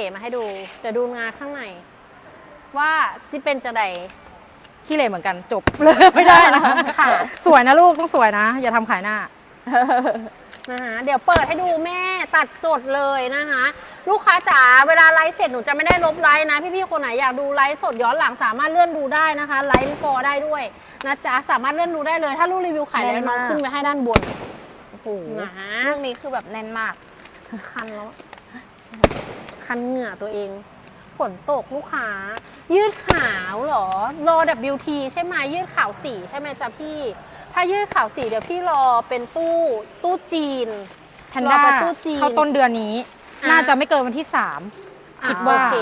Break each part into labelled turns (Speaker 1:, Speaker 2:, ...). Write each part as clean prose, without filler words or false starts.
Speaker 1: มาให้ดูเดี๋ยวดูงานข้างในว่าซิเป็นจะใด
Speaker 2: ขี้เหร่เหมือนกันจบเลยไม่ได้นะ
Speaker 1: ค่ะ
Speaker 2: สวยนะลูกต้องสวยนะ อย่าทำขายหน้า
Speaker 1: นะคะเดี๋ยวเปิดให้ดูแม่ตัดสดเลยนะคะลูกค้าจ๋าเวลาไลฟ์เสร็จหนูจะไม่ได้ลบไลฟ์นะพี่ๆคนไหนอยากดูไลฟ์สดย้อนหลังสามารถเลื่อนดูได้นะคะไลฟ์กอได้ด้วยนะจ๊ะสามารถเลื่อนดูได้เลยถ้าลูกรีวิวขายแล้วน้องขึ้นไปให้ด้านบน
Speaker 3: โอ้โห
Speaker 1: นะ
Speaker 3: ลูกนี้คือแบบแน่นมาก
Speaker 1: คันแล้วคันเหงื่อตัวเองฝนตกลูกค้ายืดขาวเหรอรอ WT ใช่ไหมยืดขาวสีใช่ไหมจ๊ะพี่ถ้ายืดขาวสีเดี๋ยวพี่รอเป็นตู้จีน
Speaker 2: แพนด้าร
Speaker 1: อเป็นตู้จีน
Speaker 2: เข้าต้นเดือนนี้
Speaker 1: อ่ะ
Speaker 2: น่าจะไม่เกินวันที่ คิดว่า
Speaker 1: โอเค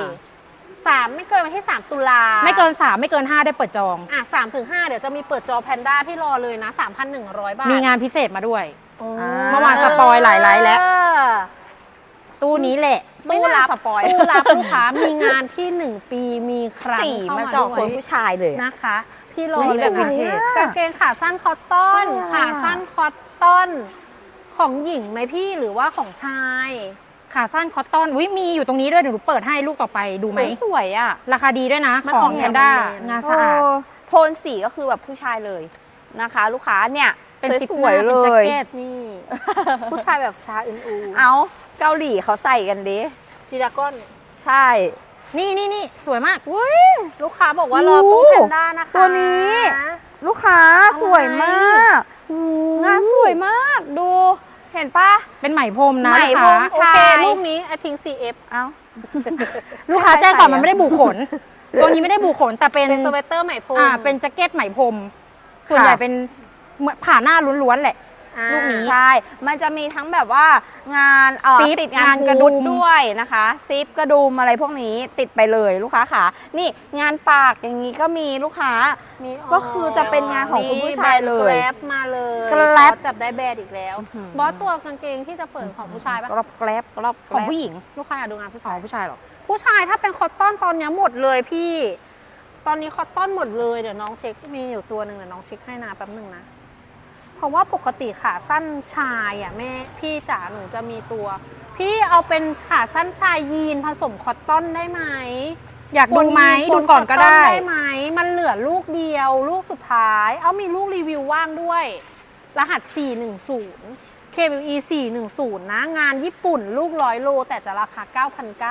Speaker 1: 3ไม่เกินวันที่3 ตุลา
Speaker 2: 3 ไม่เกิน 3 ไม่เกิน 5 ได้เปิดจอง
Speaker 1: 3 ถึง 5เดี๋ยวจะมีเปิดจอแพนด้าพี่รอเลยนะ 3,100 บาท
Speaker 2: มีงานพิเศษมาด้วย
Speaker 1: โอ้
Speaker 2: เมื่อวานสปอยหลายไลฟ์แล้ว ตู้นี้แหละ
Speaker 1: ตู้รับ
Speaker 3: ไม่น่าสปอย
Speaker 1: ตู้รับลูกค้ามีงานที่1 ปีมีครั้ง
Speaker 3: สี
Speaker 1: เข้า
Speaker 3: มา
Speaker 1: มา
Speaker 3: เจาะ
Speaker 1: ด้
Speaker 3: ค
Speaker 1: วน ย
Speaker 3: ผู้ชายเลยอะ
Speaker 1: นะคะ พี่รอ
Speaker 3: อุ๊ย
Speaker 1: เลย
Speaker 3: สวยอะ
Speaker 1: กางเกงขาสั้นคอตตอน
Speaker 3: สวยอะ
Speaker 1: ขาสั้นคอตตอนของหญิงไหมพี่หรือว่าของชาย
Speaker 2: ขาสั้นคอตตอนมีอยู่ตรงนี้ด้วยเดี๋ยวหนูเปิดให้ลูกต่อไปดูไหม
Speaker 3: เฮ้ยสวยอ่ะ
Speaker 2: ราคาดีด้วยนะ
Speaker 1: มัน
Speaker 2: ข
Speaker 1: อ
Speaker 2: อ
Speaker 1: อง ก
Speaker 2: แพ
Speaker 1: แนวน
Speaker 2: ด้า
Speaker 1: แมนๆ
Speaker 2: งานสะอาด
Speaker 3: โทนสีก็คือแบบผู้ชายเลยนะคะ ลูกค้าเนี่ย
Speaker 2: เป็นซิป
Speaker 3: ส
Speaker 2: ห
Speaker 3: วย
Speaker 2: น้า
Speaker 3: ๆเล
Speaker 2: เป็นแจ็ค
Speaker 3: ย
Speaker 2: เก็ต
Speaker 1: นี่ ผู้ชายแบบชาอึนอู
Speaker 3: เอาเกาหลีเขาใส่กันดิ
Speaker 1: จีดากอน
Speaker 3: ใช่
Speaker 2: นี่สวยมาก
Speaker 3: อุ้ย
Speaker 1: ลูกค้าบอกว่ารอตู้แพนด้านะคะ
Speaker 3: ตัวนี้ ลูกค้าสวยมากงานสวยมากดู เห็นปะ
Speaker 2: เป็นไหมพรมนะ
Speaker 3: ไหม
Speaker 2: ลูก
Speaker 3: พร
Speaker 2: ค้าม
Speaker 1: โอเค
Speaker 3: ใช่
Speaker 1: รูปนี้ไอพิง CF
Speaker 3: เอ้า
Speaker 2: ลูกค้าแจ้งก่อนมันไม่ได้บุขน ตัวนี้ไม่ได้บุขนแต่เป็น
Speaker 1: เป็นสเวตเตอร์ไหมพรม
Speaker 2: เป็นแจ็คเก็ตไหมพรมส่วนใหญ่เป็นเหมือนผ่าหน้าล้วนๆแหละ
Speaker 1: อ่า
Speaker 2: ลูกนี้
Speaker 3: ใช่ มันจะมีทั้งแบบว่างาน
Speaker 2: ซิป
Speaker 3: ติดงาน
Speaker 2: งานกระ
Speaker 3: กระ
Speaker 2: ดุ
Speaker 3: ดุ
Speaker 2: ม
Speaker 3: มด้วยนะคะ ซิปกระดุมอะไรพวกนี้ติดไปเลยลูกค้าค่ะ นี่งานปากอย่างนี้ก็มีลูกค้า
Speaker 1: มี
Speaker 3: ก็คือจะเป็นงานของคุณผู้ชายเลย
Speaker 1: แกร็บมาเลย
Speaker 3: แกร็บ
Speaker 1: บอสจับได้แบรนด์อีกแล้ว
Speaker 3: อื้อหือ
Speaker 1: บอสตัวกางเกงที่จะเปิดของผู้ชายปะ
Speaker 3: กรอบแกรบกรอบแก
Speaker 2: ของ
Speaker 3: รบ
Speaker 2: ผู้หญิง
Speaker 1: ลูกค้าอยากดูงานผู้
Speaker 2: ข
Speaker 1: ชา
Speaker 2: อย งผู้ชายหรอ
Speaker 1: ผู้ชายถ้าเป็นคอตตอนตอนนี้หมดเลยพี่ ตอนนี้คอตตอนหมดเลยเดี๋ยวน้องเช็คมีอยู่ตัวหนึ่งเดี๋ยวน้องเช็คให้นะแป๊บหนึงนะ เพราะว่าปกติขาสั้นชายอ่ะแม่พี่จ๋าหนูจะมีตัว พี่เอาเป็นขาสั้นชายยีนผสมคอตตอนได้ไหม
Speaker 2: อยากดูไหม
Speaker 1: ป
Speaker 2: ดูก่อนก็ได้
Speaker 1: คตตได้ไหมมันเหลือลูกเดียวลูกสุดท้าย เอามีลูกรีวิวว่างด้วย รหัส 410 KWE 410 นะ งานญี่ปุ่นลูก100 โล แต่จะราคา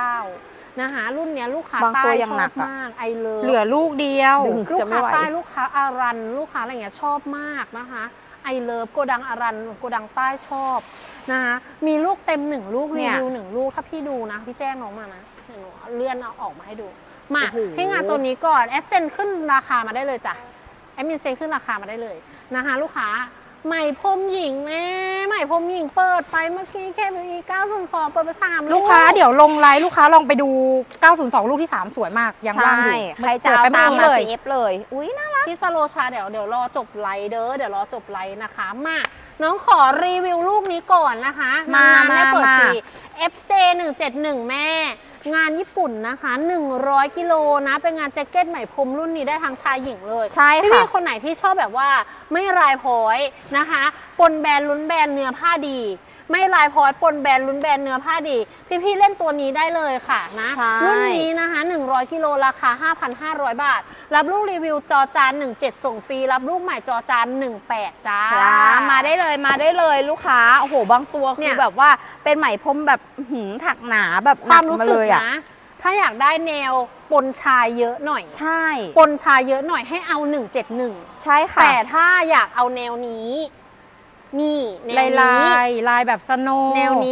Speaker 1: 9,900 นะคะรุ่นเนี้ยลูกค้า
Speaker 3: บาง
Speaker 1: ใต้
Speaker 3: ตัวยั
Speaker 1: ช
Speaker 3: ง
Speaker 1: อ
Speaker 3: หนั
Speaker 1: บ
Speaker 3: กอะ
Speaker 1: มากไอเลิฟ
Speaker 2: เหลือลูกเดียว
Speaker 3: ดึง
Speaker 1: ลูก
Speaker 3: จะไม่
Speaker 1: ค้า
Speaker 3: ไหว
Speaker 1: ใต้ลูกค้าอารัน ลูกค้าอะไรอย่างเงี้ยชอบมากนะคะไอเลิฟโกดังอารันโกดังใต้ชอบนะคะมีลูกเต็ม1ลูกรีวิว1ลูกถ้าพี่ดูนะพี่แจ้งน้องมานะเดี๋ยวหนูเลื่อนเอาออกมาให้ดูมา
Speaker 3: โอ้โห
Speaker 1: ให้งานตัวนี้ก่อนแอสเซนขึ้นราคามาได้เลยจ้ะแอดมินเซนขึ้นราคามาได้เลยนะคะลูกค้าไหมพรมหญิงแม่ไหมพรมหญิงเปิดไปเมื่อกี้แค่มี902เปิดไป3
Speaker 2: ลูกค้าเดี๋ยวลงไลน์ลูกค้าลองไปดู 902 ลูกที่ 3 สวยมาก ยังว่างอยู่
Speaker 3: ใช่ใครจะเอา
Speaker 2: เปิดไป
Speaker 3: ตาม
Speaker 2: เมื่อ
Speaker 3: มา
Speaker 2: กี้เลย
Speaker 3: ซีฟเลย อุ้ยน่ารัก
Speaker 1: พี่สโลชาเดี๋ยวรอจบไลฟ์เด้อเดี๋ยวรอจบไลฟ์นะคะมาน้องขอรีวิวลูกนี้ก่อนนะคะ
Speaker 3: มาน
Speaker 1: ๆไม่เปิด
Speaker 3: มา
Speaker 1: สี FJ 171แม่ งานญี่ปุ่นนะคะ100กิโลนะเป็นงานแจ็คเก็ตไหมพรมรุ่นนี้ได้ทั้งชายหญิงเลย
Speaker 3: ใช่ค่ะ
Speaker 1: พี่ๆคนไหนที่ชอบแบบว่าไม่ลายพร้อยนะคะปนแบรนด์ลุ้นแบรนด์เนื้อผ้าดี ไม่ลายพร้อยปนแบรนด์ลุ้นแบรนด์เนื้อผ้าดี พี่ๆเล่นตัวนี้ได้เลยค่ะนะ
Speaker 3: ใช่
Speaker 1: รุ่นนี้นะคะ100กิโลราคา 5,500 บาท รับลูกรีวิวจอจาน17ส่งฟรีรับลูกใหม่จอจาน18จ้า
Speaker 3: จ้ามาได้เลยมาได้เลยลูกค้าโอ้โหบางตัว
Speaker 1: เนี่
Speaker 3: คือย แบบว่าเป็นไหมพรมแบบอื้อหือถักหนาแบบ
Speaker 1: ความรู้
Speaker 3: หนั
Speaker 1: สึก
Speaker 3: เลยอะ
Speaker 1: นะ ถ้าอยากได้แนวปนชายเยอะหน่อย
Speaker 3: ใช่
Speaker 1: ปนชายเยอะหน่อยให้เอา171
Speaker 3: ใช่ค่ะ
Speaker 1: แต่ถ้าอยากเอาแนวนี้นี่แนว
Speaker 2: ลา
Speaker 1: นี้
Speaker 2: ลายแบบสโนว์
Speaker 1: แนวนี้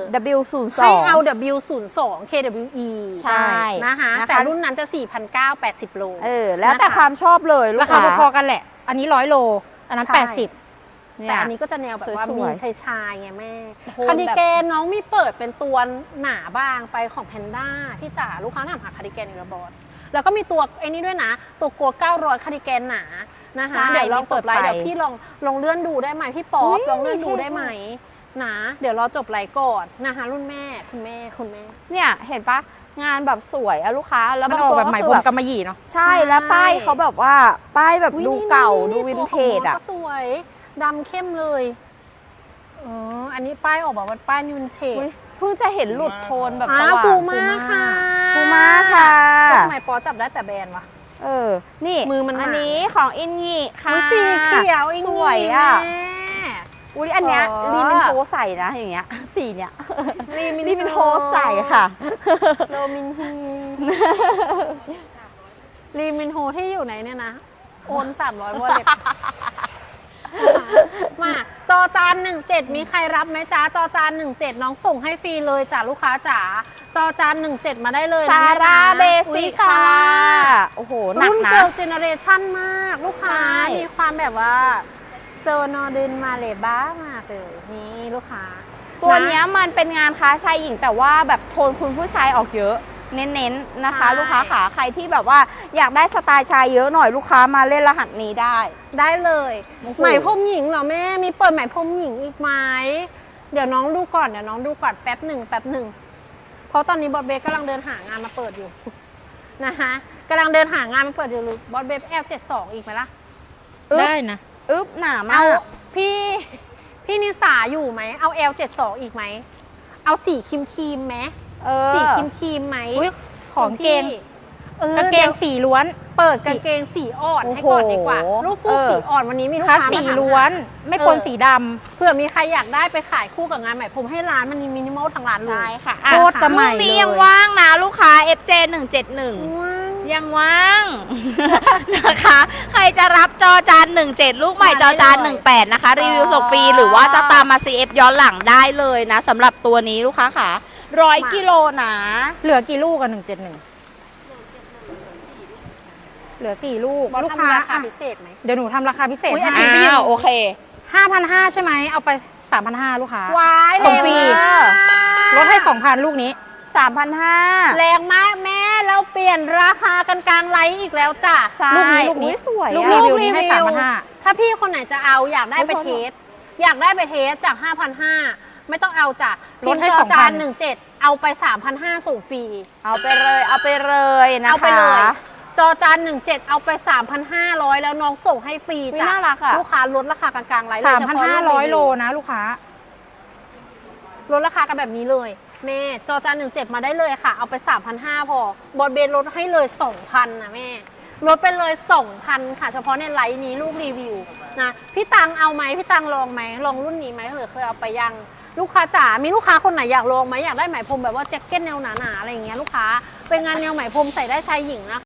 Speaker 3: W02
Speaker 1: ให้เอา W02 KWE
Speaker 3: ใช่
Speaker 1: นะคะ
Speaker 3: นะคะ
Speaker 1: แต่รุ่นนั้นจะ 4,980 โล
Speaker 3: แล้วแต่
Speaker 1: นะคะ
Speaker 3: ความชอบเลยลู
Speaker 2: ราก คา
Speaker 3: ค้า
Speaker 2: พอๆกันแหละ อันนี้100 โล อันนั้น
Speaker 1: ใช่
Speaker 2: 80
Speaker 3: เนี่ย
Speaker 1: แต่อันนี้ก็จะแนวแบบว่า
Speaker 3: สวยๆ
Speaker 1: มีชายๆไงแม่
Speaker 3: โทนแบบ
Speaker 1: คาร์ดิแกนน้องมีเปิดเป็นตัวหนาบางไปของแพนด้าพี่จ๋าลูกค้าถามหาคาร์ดิแกนอีกแล้วบอสแล้วก็มีตัวไอ้นี่ด้วยนะ ตัวโก900คาร์ดิแกนหนานะคะ
Speaker 3: ใช่
Speaker 1: เดี๋ยวลองจบไลฟ์
Speaker 3: มีเปิดไป
Speaker 1: เดี๋ยวพี่ลองเลื่อนดูได้ไหมพี่ป๊อป
Speaker 3: อุ๊ย
Speaker 1: ลองเลื่อนดู
Speaker 3: ใช่
Speaker 1: ได้ไหมนะเดี๋ยวรอจบไลฟ์ก่อนนะคะรุ่นแม่คุณแม่
Speaker 3: เนี่ยเห็นปะงานแบบสวยอะลูกค้าแล้ว
Speaker 2: มัน
Speaker 3: บาง
Speaker 2: ออก
Speaker 3: ตัว
Speaker 2: แบบไหม
Speaker 3: ก็
Speaker 2: พ
Speaker 3: คื
Speaker 2: ร
Speaker 3: อ
Speaker 2: ม
Speaker 3: แบบ
Speaker 2: กำมะหยี่เนาะ
Speaker 3: ใช่แล้วป้ายเขาแบบว่าป้ายแบบ
Speaker 1: อุ๊ย
Speaker 3: ดูเก่า
Speaker 1: นี่
Speaker 3: ดูวินเทจ
Speaker 1: ตัว
Speaker 3: อะ
Speaker 1: ก็สวยดำเข้มเลยอันนี้ป้ายออกแบบว่าป้ายวินเทจ
Speaker 3: เพิ่งจะเห็นหลุดโทนแบบส
Speaker 1: อ้าว
Speaker 3: ว่าง
Speaker 1: ปูมาค่ะอจับได้แต่แบรนด์วะ
Speaker 3: นี่
Speaker 1: มือมัน
Speaker 3: อัน
Speaker 1: หนา
Speaker 3: นี้ของอินงีค่ะ
Speaker 1: อุ๊ยสีเขียวอีก
Speaker 3: สวยอ่ะ
Speaker 1: แม่
Speaker 3: อุ้ยอันเนี้ย
Speaker 1: อ๋อ
Speaker 3: รีมินโฮใส่นะอย่างเงี้ย สีเนี้ย
Speaker 1: รีมิน
Speaker 3: รีมินโฮใส่ค่ะ
Speaker 1: โรมินฮีรีมินโฮที่อยู่ไหนเนี่ยนะ โอน300วอลเล็ตมาจอจาน17มีใครรับไหมจ๊ะจอจาน17น้องส่งให้ฟรีเลยจ้ะลูกค้าจ๋าจอจาน17มาได้เลย
Speaker 3: ซา
Speaker 1: นะแม่
Speaker 3: ร่า
Speaker 1: นะ
Speaker 3: เบ
Speaker 1: อุ๊
Speaker 3: สิ
Speaker 1: ย
Speaker 3: ก
Speaker 1: ซา
Speaker 3: ค่ะ
Speaker 1: ร่า
Speaker 3: โอ้โห หนัก
Speaker 1: รุ่น
Speaker 3: นะ
Speaker 1: เกิร์ลเจเนอเรชั่นมาก ลูกค้า
Speaker 3: ใช่
Speaker 1: มีความแบบว่าโซโนดินมาเลบ้ามากเลยนี่ลูกค้า
Speaker 3: ตัวเนี้ยมันเป็นงานค้าชายหญิงแต่ว่าแบบโทนคุณผู้ชายออกเยอะ เน้นๆนะคะ
Speaker 1: ใช่
Speaker 3: ลูกค้าขาใครที่แบบว่าอยากได้สไตล์ชายเยอะหน่อยลูกค้ามาเล่นรหัสนี้ได้
Speaker 1: ได้เลย
Speaker 3: โอ้โห
Speaker 1: ไหมพรมหญิงเหรอแม่มีเปิดไหมพรมหญิงอีกไหมเดี๋ยวน้องดูก่อนแป๊บหนึ่งเพราะตอนนี้บอสเบสกำลังเดินหางานมาเปิดอยู่ นะคะกำลังเดินหางานมาเปิดอยู่บอสเบสL72อีกไหมล่ะ
Speaker 2: ได้นะ
Speaker 3: อึ๊บหนามาก
Speaker 1: เอาพี่นิสาอยู่ไหมเอา L72 อีกไหมเอาสีครีมไหมสีครีมไหม
Speaker 2: อุ๊ยของเกง
Speaker 1: พี่
Speaker 2: กางเกงสีล้วน
Speaker 1: เปิดกางเกงสีอ่อนให้ก่อนดีกว่า
Speaker 3: โอ้โห
Speaker 1: ลูกฟูกสีอ่อนวันนี้มีลูก
Speaker 2: คัส
Speaker 1: ค้า
Speaker 2: สี
Speaker 1: มาถาม
Speaker 2: ล้วน ไม่ปนสีด
Speaker 1: เผื่อมีใครอยากได้ไปขายคู่กับงานใหม่ผมให้ร้านมันมีมินิมอลทางร้านเลย
Speaker 3: ใช่ค่ะ
Speaker 2: โคตรจะใหม่
Speaker 3: ลูกนี้
Speaker 2: เลย
Speaker 3: ยังว่างนะลูกค้า FJ 171
Speaker 1: ว้าว
Speaker 3: ยังว่าง นะคะ ใครจะรับจอจาน17 ลูกใหม่จอจาน18 นะคะ รีวิวส่งฟรีหรือว่าจะตามมา CF ย้อนหลังได้เลยนะสำหรับตัวนี้ลูกค้าค่ะ100 กิโลนะ
Speaker 2: ำเหลือกี่ลูกอะ171 เหลือ4ลูก
Speaker 1: บอส
Speaker 2: ลูกค้า
Speaker 1: ทำราคา
Speaker 2: อ่ะ
Speaker 1: พิเศษไหม
Speaker 2: เดี๋ยวหนูทำราคาพิเศษ
Speaker 1: อุ๊ยอัน
Speaker 2: ให้
Speaker 1: นี้
Speaker 3: อ้าวโอเค
Speaker 2: 5,500 ใช่ไหม เอาไป 3,500 ลูกค้า
Speaker 1: ว้าย
Speaker 2: ส่งฟรี
Speaker 1: แรงมาก
Speaker 2: ลดให้ 2,000 ลูกนี้
Speaker 3: 3,500
Speaker 1: แรงมากแม่เราเปลี่ยนราคากันกลางไลฟ์อีกแล้วจ้ะ
Speaker 3: ใช่
Speaker 2: ลูกนี้
Speaker 3: อุ๊ยสวย
Speaker 2: ลูก
Speaker 3: อะ
Speaker 2: รีวิวนี้ให้ 3,500
Speaker 1: ถ้าพี่คนไหนจะเอาอยากได้ไป
Speaker 3: โอ้โห
Speaker 1: เทสอยากได้ไปเทสจาก 5,500 ไม่ต้องเอาจ้ะ
Speaker 2: ลดให้
Speaker 1: พิมพ์จอจาน
Speaker 2: 2,000
Speaker 1: 17เอาไป 3,500ส่งฟรี
Speaker 3: เอาไปเลยนะคะ
Speaker 1: เอาไปเลยจอจาน17เอาไป 3,500 แล้วน้องส่งให้ฟรี
Speaker 3: อุ๊ย
Speaker 1: จ้ะ
Speaker 3: น่ารักอะ
Speaker 1: ลูกค้าลดราคากลางๆไลฟ์เลยเฉพาะรุ่นรีวิว
Speaker 2: 3,500 โลนะลูกค้า
Speaker 1: ลดราคากันแบบนี้เลยแม่จอจาน17มาได้เลยค่ะ เอาไป 3,500 พอบอสเบสลดให้เลย 2,000นะแม่ลดไปเลย 2,000 ค่ะ เฉพาะในไลฟ์นี้ลูกรีวิวนะพี่ตังเอาไหมพี่ตังลองไหมลองรุ่นนี้ไหมหรือเคยเอาไปยังลูกค้าจ๋ามีลูกค้าคนไหนอยากลองไหมอยากได้ไหมพรมแบบว่าแจ็คเก็ตแนวหนาๆอะไรอย่างเงี้ยลูกค้าเป็นงานแนวไหมพรมใส่ได้ชายหญิงนะคะ